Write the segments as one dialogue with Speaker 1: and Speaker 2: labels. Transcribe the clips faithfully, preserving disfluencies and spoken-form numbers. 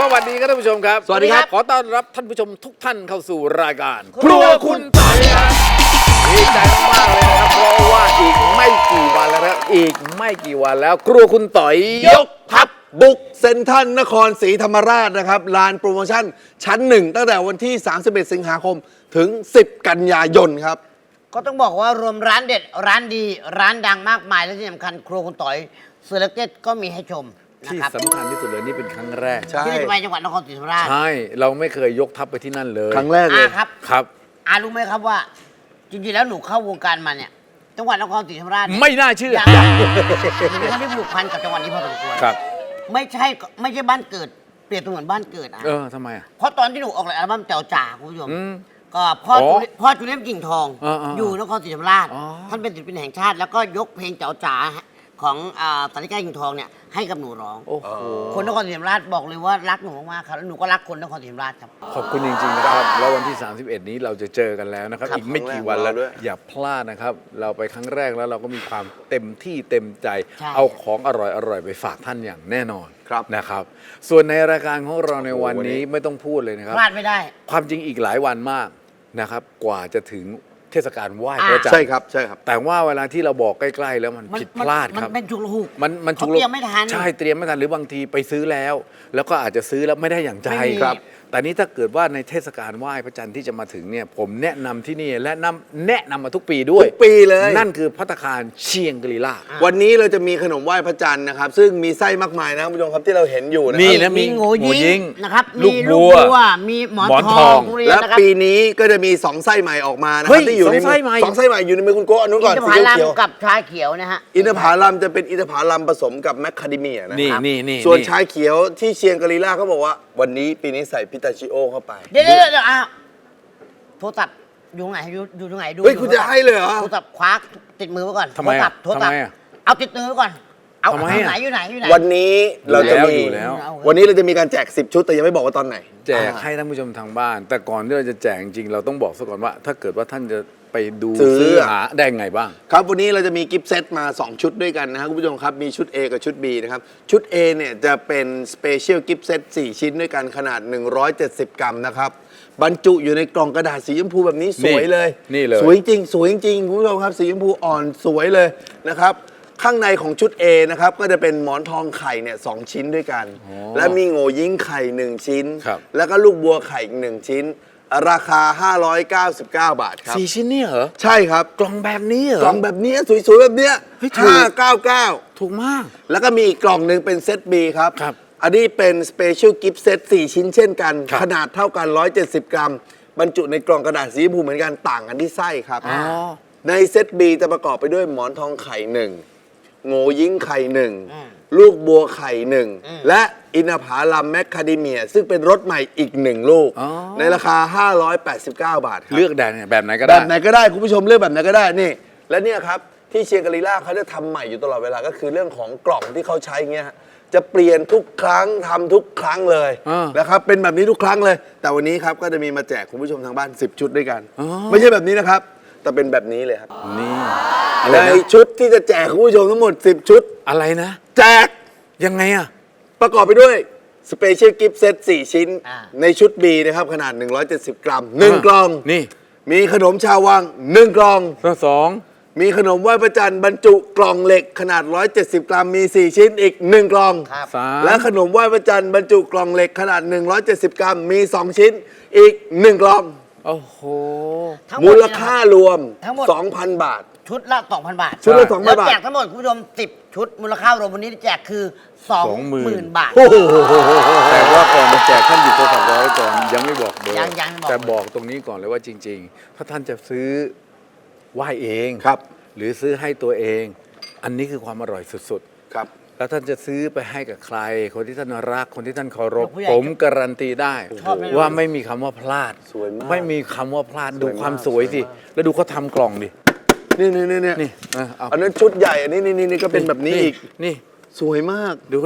Speaker 1: สวัสดีครับท่านผู้ชมครับ
Speaker 2: สวัสดีครับ
Speaker 1: ขอต้อนรับท่านผู้ชมทุกท่านเข้าสู่รายการครัวคุณต่อยครับดีใจมากๆเลยนะครับเพราะว่าอีกไม่กี่วันแล้วนะครับอีกไม่กี่วันแล้วครัวคุณต่อยยกทัพ
Speaker 2: บุกเซ็นทรัลนครศรีธรรมราชนะครับลานโปรโมชั่นชั้นหนึ่งตั้งแต่วันที่สามสิบเอ็ดสิงหาคมถึงสิบกันยายนครับ
Speaker 3: ก็ต้องบอกว่ารวมร้านเด็ดร้านดีร้านดังมากมายและที่สำคัญครัวคุณต่อยเซเลกเต็ดก็มีให้ชมนะ
Speaker 1: ที่
Speaker 3: ครับ
Speaker 1: สำคัญที่สุดเลยนี่เป็นครั้งแรก
Speaker 2: ใช่
Speaker 3: ที่จะไปจังหวัดนครศรีธรรมราช
Speaker 1: ใช่เราไม่เคยยกทัพไปที่นั่นเลย
Speaker 2: ครั้งแรกเล
Speaker 3: อาย ครับ
Speaker 1: ครับ
Speaker 3: อารู้ไหมครับว่า จริงๆแล้วหนูเข้าวงการมาเนี่ยจังหวัดนครศรีธรรมราชเนี่ย
Speaker 1: ไม่น่าเชื่อ
Speaker 3: ยังหนูเป็นคนที่ผูกพันกับจังหวัดนี้พอสมควร
Speaker 1: ครับ
Speaker 3: ไม่ใช่ไม่ใช่บ้านเกิดเปรียบเสมือนบ้านเกิดอ่ะ
Speaker 1: เออทำไมอ่ะ
Speaker 3: เพราะตอนที่หนูออกอัลบั้มเจ้าจ่าคุณผู้ชม
Speaker 1: อืม
Speaker 3: ก็พ่อ
Speaker 1: อ๋อ
Speaker 3: จูพ่อจูเลียมกิ่งทอง
Speaker 1: อ่าๆ
Speaker 3: อยู่นครศรีธรรมราช
Speaker 1: อ๋อ
Speaker 3: ท่านเป็นศิลปินแห่งชาติ แล้วก็ยกเพลงเจ้าจ๋าของอ่าสาริกากิ่งทองเนี่ยให้กับหนูร้อง
Speaker 1: โอ้โห
Speaker 3: คนนครศรีธรรมราชบอกเลยว่ารักหนูมากๆครับแล้วหนูก็รักคนนครศรีธรรมราชครับ
Speaker 1: ขอบคุณจริงๆนะครับแล้ววันที่ สามสิบเอ็ด นี้เราจะเจอกันแล้วนะครับ
Speaker 3: ครับ
Speaker 1: อีกไม่กี่วันแล้ว
Speaker 2: ครั้งแรกของเราด้วย
Speaker 1: อย่าพลาดนะครับ เราไปครั้งแรกแล้วเราก็มีความเต็มที่เต็มใจ
Speaker 3: ใช่
Speaker 1: เอาของอร่อยๆไปฝากท่านอย่างแน่นอน
Speaker 2: ครับ
Speaker 1: นะครับ ส่วนในรายการของเราในวันนี้ไม่ต้องพูดเลยนะครับ
Speaker 3: พลาดไม่ได้
Speaker 1: ความจริงอีกหลายวันมากนะครับกว่าจะถึงเทศกาลไหว้
Speaker 3: อ่า
Speaker 1: พระจันท
Speaker 2: ใช่
Speaker 1: ร์
Speaker 2: ครับใช่ครับ
Speaker 1: แต่ว่าเวลาที่เราบอกใกล้ๆแล้วมัน
Speaker 3: มัน
Speaker 1: ผิด
Speaker 3: มัน
Speaker 1: พลาดครับ
Speaker 3: มันเป็นฉุกละหุก
Speaker 1: มันมัน
Speaker 3: เขาเตรียมไม่ทัน
Speaker 1: ใช่เตรียมไม่ทันหรือบางทีไปซื้อแล้ว แล้วก็อาจจะซื้อแล้วไม่ได้อย่างใจ
Speaker 3: ไม่มี
Speaker 1: ครับ แต่นี้ถ้าเกิดว่าในเทศกาลไหว้พระจันทร์ที่จะมาถึงเนี่ยผมแนะนำที่นี่และนำแนะนำมาทุกปีด้วย
Speaker 2: ทุกปีเลย
Speaker 1: นั่นคือภัตตาคารเชียงกรีลา
Speaker 2: วันนี้เราจะมีขนมไหว้พระจันทร์นะครับซึ่งมีไส้มากมายนะครับคุณผู้ชมครับที่เราเห็นอยู่นะ
Speaker 1: นี่
Speaker 2: ครับ
Speaker 1: นะ มี
Speaker 3: มีโง่
Speaker 1: โง่ยิ
Speaker 3: ยิ
Speaker 1: ง
Speaker 3: งนะครับ
Speaker 1: ลู
Speaker 3: มี
Speaker 1: ก
Speaker 3: ลู
Speaker 1: บั
Speaker 3: ก
Speaker 1: ว
Speaker 3: บัวมีหมอน
Speaker 1: หมอน
Speaker 3: ท
Speaker 1: ท
Speaker 3: อ
Speaker 1: อง ง
Speaker 3: ทุเรียน
Speaker 2: และ
Speaker 3: นะครับ
Speaker 2: ปีนี้ก็จะมีสองไส้ใหม่ออกมานะค
Speaker 1: เฮ้
Speaker 2: รับ
Speaker 1: ย
Speaker 2: ที่อยู่ใน
Speaker 1: สองไส้ใหม่
Speaker 2: สองไส้ใหม่อยู่ในมือคุณโก้อันนู้นก่อน
Speaker 3: อินท
Speaker 2: สี
Speaker 3: ผลัม
Speaker 2: เขียว
Speaker 3: กับชาเขียวนะฮะ
Speaker 2: ๆอินทผลัมจะเป็นอินทผลัมผสมกับแมคคาเดเมียนะ
Speaker 1: นี่
Speaker 2: ครับ
Speaker 1: นี่นี่
Speaker 2: ส่วน
Speaker 1: นี่
Speaker 2: ชาเขียวที่เชียงกรีลาเขาบอกว่า วันนี้ปีนี้ใส่พิตาชิโอเข้าไป
Speaker 3: เดี๋ยวเดี๋ยวเดี๋ยวอ้าวโทรศัพท์อยู่ไหนอยู่อยู่ตรงไหนดู
Speaker 2: เฮ้ยคุณจะให้เลยเหรอ
Speaker 3: โทรศัพท์คว้าติดมือไว้ก่อน
Speaker 1: ทำไมอะ
Speaker 3: โทรศัพท์โทรศัพ
Speaker 1: ทำไม
Speaker 3: ท์
Speaker 1: อะ
Speaker 3: เอาติดมือไว้ก่อน เอา
Speaker 1: ทำไมอะ
Speaker 3: ไหนอยู่ไหนอยู่ไหน
Speaker 2: วันนี้เราจะมี
Speaker 1: อยู่แล้ว
Speaker 2: วันนี้เราจะมีการแจกสิบชุดแต่ยังไม่บอกว่าตอนไหน
Speaker 1: แจกให้ท่านผู้ชมทางบ้าน แต่ก่อนที่เราจะแจกจริงๆเราต้องบอกซะก่อนว่า ถ้าเกิดว่าท่านจะไปดู
Speaker 2: ซื้อ
Speaker 1: ซื้อหาได้ไงบ้าง
Speaker 2: ครับวันนี้เราจะมีกิฟต์เซตมา สอง ชุดด้วยกันนะครับคุณผู้ชมครับมีชุด A กับชุด B นะครับชุด A เนี่ยจะเป็นสเปเชียลกิฟต์เซตสี่ชิ้นด้วยกันขนาดหนึ่งร้อยเจ็ดสิบกรัมนะครับบรรจุอยู่ในกล่องกระดาษสีชมพูแบบนี้สวยเลย
Speaker 1: นี่เลย
Speaker 2: สวยจริงสวยจริงคุณผู้ชมครับสีชมพูอ่อนสวยเลยนะครับข้างในของชุด A นะครับก็จะเป็นหมอนทองไข่เนี่ยสองชิ้นด้วยกัน และมีโง่ยิ้งไข่หนึ่งชิ้น
Speaker 1: ครับ
Speaker 2: แล้วก็ลูกบัวไข่อีกหนึ่งชิ้น ราคาห้าร้อยเก้าสิบเก้าบาทครับ
Speaker 1: สี่ชิ้นเนี่ยเหรอ
Speaker 2: ใช่ครับ
Speaker 1: กล่องแบบนี้เหรอก
Speaker 2: ล่องแบบนี้สวยๆแบบเนี้ย
Speaker 1: เฮ้ยถูก
Speaker 2: ห้าเก้าเก้า
Speaker 1: ถูกมาก
Speaker 2: แล้วก็มีอีกกล่องหนึ่งเป็นเซต B ครับ
Speaker 1: ครับ
Speaker 2: อันนี้เป็นสเปเชียลกิฟต์เซตสี่ชิ้นเช่นกัน
Speaker 1: ครับ
Speaker 2: ขนาดเท่ากันหนึ่งร้อยเจ็ดสิบกรัม บรรจุในกล่องกระดาษสีชมพูเหมือนกันต่างกันที่ไส้ครับ
Speaker 1: อ๋อ
Speaker 2: ในเซต B จะประกอบไปด้วยหมอนทองไข่หนึ่งโง่ยิ้งไข่หนึ่ง
Speaker 3: อืม
Speaker 2: ลูกบัวไข่หนึ่ง
Speaker 3: อืม
Speaker 2: และอินทผลัมแมคคาเดเมีย ซึ่งเป็นรสใหม่อีกหนึ่งลูก
Speaker 1: อ๋อ
Speaker 2: ในราคา ห้าร้อยแปดสิบเก้า บาทครับ
Speaker 1: เลือกได้เนี่ยแบบไหนก็
Speaker 2: แบ
Speaker 1: ได้
Speaker 2: บไหนก็ได้ คุณผู้ชมเลือกแบบไหนก็ได้นี่ และเนี่ยครับ ที่เชียงกรีล่าเขาจะทำใหม่อยู่ตลอดเวลาก็คือเรื่องของกล่องที่เขาใช้เงี้ยฮะจะเปลี่ยนทุกครั้งทำทุกครั้งเลย
Speaker 1: อ่าน
Speaker 2: นะครับเป็นแบบนี้ทุกครั้งเลย แต่วันนี้ครับก็จะมีมาแจกคุณผู้ชมทางบ้านสิบชุดด้วยกัน
Speaker 1: อ๋อ
Speaker 2: ไม่ใช่แบบนี้นะครับ แต่เป็นแบบนี้เลยครับ
Speaker 1: นี่อะไร
Speaker 2: ใน
Speaker 1: นะ
Speaker 2: ชุดที่จะแจกคุณผู้ชมทั้งหมดสิบชุด
Speaker 1: อะไรนะ
Speaker 2: แจก
Speaker 1: ยังไงอ่ะ
Speaker 2: ประกอบไปด้วยสเปเชียลกิฟต์เซตสี่ชิ้น
Speaker 3: อ่า
Speaker 2: ในชุด B นะครับขนาดหนึ่งร้อยเจ็ดสิบกรัมหนึ่ง
Speaker 1: อ่าก
Speaker 2: ล่อง
Speaker 1: นี่
Speaker 2: มีขนมชาววังหนึ่งกล่อง
Speaker 1: ข้อสอง
Speaker 2: มีขนมไหว้พระจันทร์บรรจุกล่องเหล็กขนาดหนึ่งร้อยเจ็ดสิบกรัมมีสี่ชิ้นอีกหนึ่งกล่อง
Speaker 3: ครับ
Speaker 1: สาม
Speaker 2: และขนมไหว้พระจันทร์บรรจุกล่องเหล็กขนาดหนึ่งร้อยเจ็ดสิบกรัมมีสองชิ้นอีกหนึ่งกล่อง
Speaker 1: โอ้โห
Speaker 3: ทั้งหด
Speaker 2: มูล
Speaker 3: เนี่ยนะ
Speaker 2: ค่ารวม
Speaker 3: ทั้งหมด
Speaker 2: สองพัน บาท
Speaker 3: ชุดละ สองพัน บาท
Speaker 2: ชุดละ
Speaker 1: ใช่
Speaker 2: สองพัน
Speaker 3: แล้ว
Speaker 2: บาท
Speaker 3: แจกทั้งหมดคุณผู้ชมสิบชุด มูลค่ารวมวันนี้ที่แจกคือ สองหมื่น บาท
Speaker 2: โอ้โห
Speaker 1: แต่ว่าก่อนจะแจกท่านหยิบโทรศัพท์รอไว้ก่อนยังไม่บอกเบอร์
Speaker 3: ยังยังไม่บอก
Speaker 1: แต่บอกตรงนี้ก่อนเลยว่าจริง ๆ ถ้าท่านจะซื้อไหว้เอง
Speaker 2: ครับ
Speaker 1: หรือซื้อให้ตัวเอง อันนี้คือความอร่อยสุด
Speaker 2: ครับ
Speaker 1: ๆ แล้วท่านจะซื้อไปให้กับใคร คนที่ท่านรักคนที่ท่านเคารพ
Speaker 3: ผู้ใหญ่
Speaker 1: ผมการันตีได้
Speaker 3: ชอบแน่นอน
Speaker 1: ว่าไม่มีคำว่าพลาด
Speaker 2: สวยมาก
Speaker 1: ไม่มีคำว่าพลาด
Speaker 2: สวย
Speaker 1: ดูความ
Speaker 2: มาก
Speaker 1: สวยสิ
Speaker 2: สวยมาก
Speaker 1: แล้วดูเขาทำกล่องดิ
Speaker 2: นี่นี่นี่นี่
Speaker 1: นี่นะเอา
Speaker 2: อันนั้นชุดใหญ่อันนี้นี่นี่นี่ก็เป็นแบบนี้อีก
Speaker 1: นี่
Speaker 2: สวยมาก
Speaker 1: ดูเขาดิ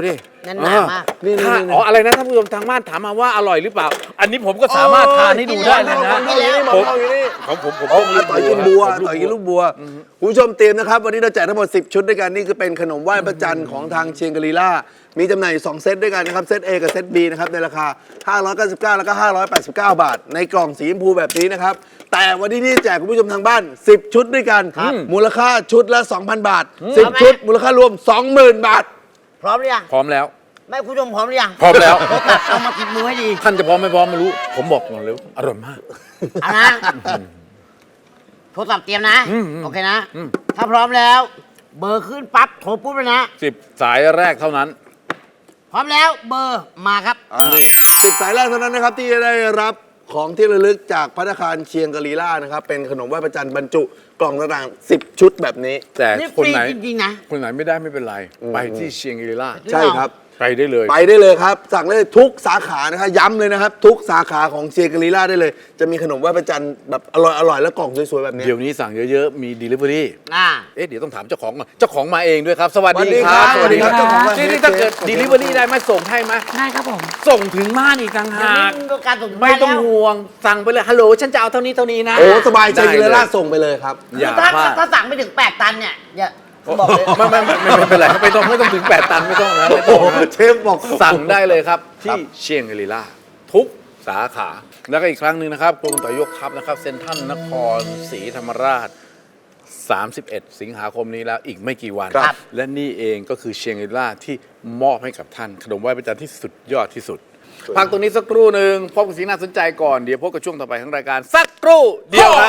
Speaker 3: แน่นหนามาก
Speaker 2: นี่นี่
Speaker 1: ถ้า
Speaker 2: นี่
Speaker 1: อ๋ออะไรนะท่านผู้ชมทางบ้านถามมาว่าอร่อยหรือเปล่า อันนี้ผมก็สามารถทานให้ดูได้เลยนะ
Speaker 2: หมอนทองอยู่นี่หมอนทองอยู่นี่
Speaker 1: ของผมผม
Speaker 2: โอ้
Speaker 1: ต้อง
Speaker 2: ต่อยกินบัว
Speaker 1: ผม
Speaker 2: ต่อยกินลูกบัวคุณผู้ชมเตรียมนะครับ วันนี้เราแจกทั้งหมดสิบชุดด้วยกัน นี่คือเป็นขนมไหว้พระจันทร์ของทางเชียงกรีล่า มีจำหน่ายอยู่สองเซตด้วยกันนะครับ เซต A กับเซต B นะครับ ในราคา ห้าร้อยเก้าสิบเก้า แล้วก็ ห้าร้อยแปดสิบเก้า บาท ในกล่องสีชมพูแบบนี้นะครับ แต่วันนี้ที่แจกคุณผู้ชมทางบ้าน สิบ ชุดด้วยกัน มูลค่าชุดละ สองพัน บาท สิบ ชุด มูลค่ารวม สองหมื่น บาท
Speaker 3: พร้อมหรือยัง
Speaker 1: พร้อมแล้ว
Speaker 3: ไม่คุณผู้ชมพร้อมหรือยัง
Speaker 1: พร้อมแล้ว
Speaker 3: เอามาติดมือให้ดี
Speaker 1: ท่านจะพร้อมไม่พร้อมไม่รู้ ผมบอกก่อนเลยว่าอร่อยมาก
Speaker 3: เอานะโทรศัพท์เตรียมนะ
Speaker 1: อืมอืม
Speaker 3: โอเคนะ
Speaker 1: อืม
Speaker 3: ถ้าพร้อมแล้ว เบอร์ขึ้นปั๊บโทรปุ๊บเลยนะ
Speaker 1: สิบสายแรกเท่านั้น
Speaker 3: พร้อมแล้วเบอร์มาครับ
Speaker 1: นี่
Speaker 2: สิบสายแรกเท่านั้นนะครับที่จะได้รับของที่ระลึกจากภัตตาคารเชียงกรีล่านะครับ เป็นขนมไหว้พระจันทร์บรรจุกล่องต่างๆสิบ ชุดแบบนี้
Speaker 1: แต่
Speaker 3: นี่
Speaker 1: คน
Speaker 3: ฟรี
Speaker 1: ไหน
Speaker 3: จริงๆนะ
Speaker 1: คนไหนไม่ได้ไม่เป็นไร ไปที่เชียงรีล่า
Speaker 2: ใช่ครับ
Speaker 1: ไปได้เลย
Speaker 2: ไปได้เลยครับ สั่งได้เลยทุกสาขานะครับย้ำเลยนะครับ ทุกสาขาของเชียงกรีล่าได้เลย จะมีขนมไหว้พระจันทร์แบบอร่อยอร่อยแล้วกล่องสวยๆแบบนี้
Speaker 1: เดี๋ยวนี้สั่งเยอะๆ มี delivery
Speaker 3: อ่า
Speaker 1: เอ๊ะเดี๋ยวต้องถามเจ้าของก่อนเจ้าของมาเองด้วยครับ สวัสดี
Speaker 2: สวัสดี
Speaker 1: ค
Speaker 2: ครั
Speaker 1: รับ บ
Speaker 2: สวัสดีครับ
Speaker 1: เจ้าของ
Speaker 2: เจ้าของ
Speaker 1: นี่นี่ถ้าเกิด delivery ได้ไหมส่งให้ไหม
Speaker 4: ได้ครับผม
Speaker 1: ส่งถึงบ้านอีกต่าง
Speaker 3: เดี๋ยว
Speaker 1: หา
Speaker 3: นี้
Speaker 1: ก
Speaker 3: มีการส่งถึง
Speaker 1: ไม่
Speaker 3: บ้าน
Speaker 1: ต้อง
Speaker 3: แล้ว
Speaker 1: ห่วง สั่งไปเลย ฮัลโหล ฉันจะเอาเท่านี้เท่านี้นะ
Speaker 2: โอ้สบายใจ
Speaker 1: ได้
Speaker 2: เชียงก
Speaker 1: เล
Speaker 2: รีล่าส่งไปเลยครับ
Speaker 1: อย่า
Speaker 3: ถ้า
Speaker 1: พลาด
Speaker 3: ถ้าสั่งไม่ถึงแปดตันเนี่ยอย่าบอกเลย
Speaker 1: ไม่ไม่ไม่ไม่ไม่เป็นไรไม่ต้องไม่ต้องถึงแปดตันไม่ต้องนะไม่ต้องนะ
Speaker 2: เชฟบอก
Speaker 1: สั่งได้เลยครับ ที่เชียงรีล่าทุกสาขา แล้วก็อีกครั้งหนึ่งนะครับกรมต่อยกทัพนะครับเซ็นทรัลนครศรีธรรมราช สามสิบเอ็ด สิงหาคมนี้แล้วอีกไม่กี่วัน
Speaker 2: ครับ
Speaker 1: และนี่เองก็คือเชียงรีล่าที่มอบให้กับท่าน ขนมไหว้พระจันทร์ที่สุดยอดที่สุด พักตรงนี้สักครู่หนึ่งพบกับสิ่งน่าสนใจก่อนเดี๋ยวพบกับช่วงต่อไปของรายการสักครู่เดียวครับ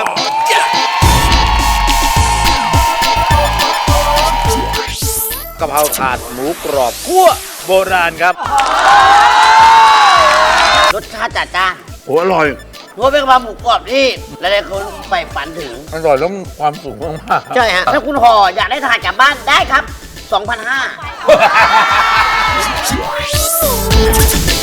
Speaker 1: กะเพราถาดหมูกรอบคั่วโบราณครับ
Speaker 3: รสชาติจัดจ้าน
Speaker 1: โอ้อร่อย
Speaker 3: เพราะเป็นกะเพราหมูกรอบที่หลายๆคนใฝ่ฝันถึง
Speaker 1: อร่อยแล้วความสุขมากๆ
Speaker 3: ใช่ฮะ ถ้าคุณห่ออยากได้ทานกลับบ้านได้ครับ สองพันห้าร้อย